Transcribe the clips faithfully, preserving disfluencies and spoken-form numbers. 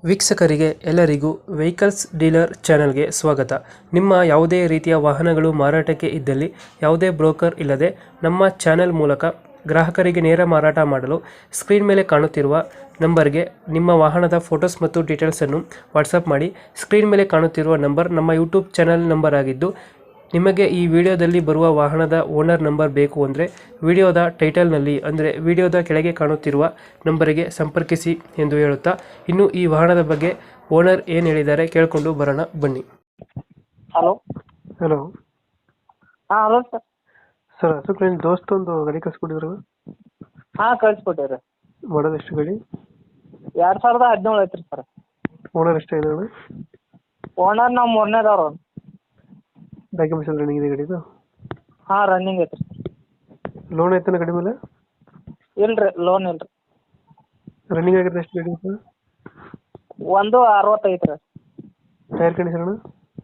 ವೀಕ್ಷಕರಿಗೆ ಎಲ್ಲರಿಗೂ vehicles dealer ಚಾನೆಲ್ಗೆ ಸ್ವಾಗತ. ನಿಮ್ಮ ಯಾವುದೇ ರೀತಿಯ ವಾಹನಗಳು ಮಾರಾಟಕ್ಕೆ ಇದ್ದಲ್ಲಿ ಯಾವುದೇ ಬ್ರೋಕರ್ ಇಲ್ಲದೆ ನಮ್ಮ ಚಾನೆಲ್ ಮೂಲಕ ಗ್ರಾಹಕರಿಗೆ ನೇರ ಮಾರಾಟ ಮಾಡಲು ಸ್ಕ್ರೀನ್ ಮೇಲೆ ಕಾಣುತ್ತಿರುವ ನಂಬರ್ಗೆ ನಿಮ್ಮ ವಾಹನದ ಫೋಟೋಸ್ ಮತ್ತು ಡೀಟೇಲ್ಸನ್ನು ವಾಟ್ಸಪ್ ಮಾಡಿ. ಸ್ಕ್ರೀನ್ ಮೇಲೆ ಕಾಣುತ್ತಿರುವ ನಂಬರ್ ನಮ್ಮ ಯೂಟ್ಯೂಬ್ ಚಾನೆಲ್ ನಂಬರ್ ಆಗಿದ್ದು, ನಿಮಗೆ ಈ ವಿಡಿಯೋದಲ್ಲಿ ಬರುವ ವಾಹನದ ಓನರ್ ನಂಬರ್ ಬೇಕು ಅಂದರೆ ವಿಡಿಯೋದ ಟೈಟಲ್ನಲ್ಲಿ ಅಂದರೆ ವಿಡಿಯೋದ ಕೆಳಗೆ ಕಾಣುತ್ತಿರುವ ನಂಬರಿಗೆ ಸಂಪರ್ಕಿಸಿ ಎಂದು ಹೇಳುತ್ತಾ, ಇನ್ನು ಈ ವಾಹನದ ಬಗ್ಗೆ ಓನರ್ ಏನು ಹೇಳಿದ್ದಾರೆ ಕೇಳಿಕೊಂಡು ಬರೋಣ ಬನ್ನಿ. ಹಲೋ ಹಲೋ ಹಾಂ ಹಲೋ ಸರ್. ಸರ್, ಅಶೋಕ್ ದೋಸ್ತ ಒಂದು ಗಾಡಿ ಕಳ್ಸ್ಕೊಟ್ಟಿದ್ರು. ಹಾಂ ಕಳಿಸ್ಕೊಟ್ಟಿರಿ. ಮಾಡೋದು ಎಷ್ಟು ಗಾಡಿ? ಎರಡು ಸಾವಿರದ ಹದಿನೇಳು ಐತ್ರಿ ಸರ್. ಓನರ್ ಎಷ್ಟಾಗಿದೆ ಅಣ್ಣ? ಓನರ್ ನಾವು ಮೂರನೇದವ್ರು. ಡಾಕ್ಯುಮೆಂಟ್ಸ್ ಎಲ್ಲ ರನ್ನಿಂಗ್ ಇದೆ ಗಾಡಿದು? ಹಾಂ ರನ್ನಿಂಗ್ ಐತ್ರಿ. ಲೋನ್ ಐತನ ಗಾಡಿ ಮೇಲೆ? ಇಲ್ರಿ ಲೋನ್ ಇಲ್ರಿ. ರನ್ನಿಂಗ್ ಆಗಿರೋದು ಎಷ್ಟು ಗಾಡಿ ಸರ್? ಒಂದು ಅರವತ್ತೈತೆ ರೀ. ಟೈರ್ ಕಂಡೀಷನ್ ಅಣ್ಣ?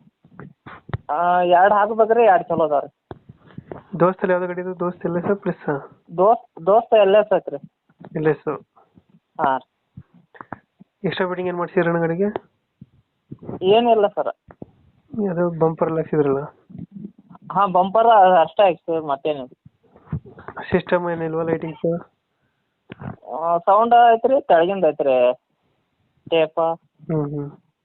ಎರಡು ಹಾಕ್ಬೇಕ್ರಿ, ಎರಡು ಚಲೋ ಅದಾವ ರೀ. ದೋಸ್ತಲ್ಲಿ ಯಾವ್ದು ಗಾಡಿ ಇದು? ದೋಸ್ತ್ ಎಲ್ಲ ಸರ್ ಪ್ಲಸ್ ದೋಸ್ತ್ ದೋಸ್ತ ಎಲ್ ಎಸ್ ಐತ್ರಿ. ಇಲ್ಲ ಸರ್. ಹಾಂ ರೀ. ಎಕ್ಸ್ಟ್ರಾ ಫಿಟ್ಟಿಂಗ್ ಏನು ಮಾಡ್ಸಿದ್ರಣ್ಣ ಗಾಡಿಗೆ? ಏನಿಲ್ಲ ಸರ್. ಅದು ಬಂಪರ್ ಎಲ್ಲ ಹಾಕ್ಸಿದ್ರಲ್ಲ? ಹಾಂ ಬಂಪರ್ ಅಷ್ಟೇ ಹಾಕ್ಸಿ ಮತ್ತೇನಿಲ್ಲ. ಸಿಸ್ಟಮ್ ಏನಿಲ್ವಾ? ಲೈಟಿಂಗ್ಸ್ ಸೌಂಡ್ ಐತ್ರಿ, ಕೆಳಗಿಂದ ಐತ್ರಿ ಟೇಪ. ಹ್ಞೂ ಹ್ಞೂ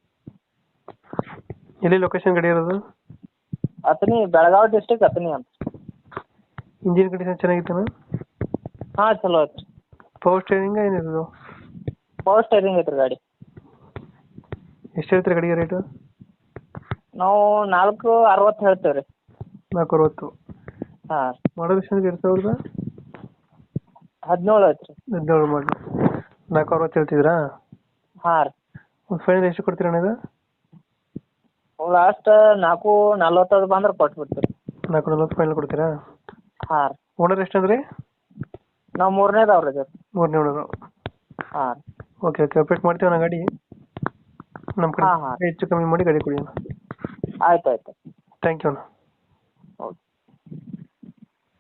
ಎಲ್ಲಿ ಲೊಕೇಶನ್ ಗಾಡಿ ಇರೋದು? ಅತನಿ, ಬೆಳಗಾವಿ ಡಿಸ್ಟಿಕ್ ಅತನಿ ಅಂತ. ಇಂಜಿನ್ ಕಂಡೀಷನ್ ಚೆನ್ನಾಗಿತ್ತಣ್ಣ? ಹಾಂ ಚಲೋ ಐತ್ರಿ. ಪವರ್ ಸ್ಟೇರಿಂಗ್ ಏನಿರೋದು? ಪವರ್ ಸ್ಟೇರಿಂಗ್ ಐತ್ರಿ ಗಾಡಿ. ಎಷ್ಟು ಹೇಳ್ತೀರಿ ಗಾಡಿಗೆ ರೇಟು? ನಾವು ನಾಲ್ಕು ಅರವತ್ತು ಹೇಳ್ತೇವೆ ರೀ. ನಾಲ್ಕು ಅರವತ್ತು? ಹಾಂ. ಮಾಡೋದು ಎಷ್ಟು ಎರಡು ಸಾವಿರದ ಹದಿನೇಳು ಐತ್ರಿ. ಹದಿನೇಳು ಮಾಡಿ ನಾಲ್ಕು ಅರವತ್ತು ಹೇಳ್ತಿದ್ರಾ? ಹಾಂ ರೀ. ಒಂದು ಫೈನಲ್ ಎಷ್ಟು ಕೊಡ್ತೀರಣ್ಣ ಇದು? ಲಾಸ್ಟ್ ನಾಲ್ಕು ನಲ್ವತ್ತದು ಬಂದ್ರೆ ಕೊಟ್ಬಿಡ್ತೀವಿ. ನಾಲ್ಕು ನಲ್ವತ್ತು ಫೈನಲ್ ಕೊಡ್ತೀರಾ? ಹಾಂ ರೀ. ಓನರ್ ಎಷ್ಟು ಅಂದ್ರೆ? ನಾವು ಮೂರನೇದವ್ರು ರೀ. ಮೂರನೇ ಓನರು? ಹಾಂ ರೀ. ಓಕೆ ಓಕೆ ಅಪ್ಡೇಟ್ ಮಾಡ್ತೀವಿ ನಾ ಗಾಡಿ ನಮ್ಮ ಕಡೆ ಹಾಂ ಹಾಂ ಹೆಚ್ಚು ಕಮ್ಮಿ ಮಾಡಿ ಗಾಡಿ ಕೊಡಿ ಅಣ್ಣ. ಆಯ್ತು ಆಯ್ತು. ಥ್ಯಾಂಕ್ ಯು ಅಣ್ಣ.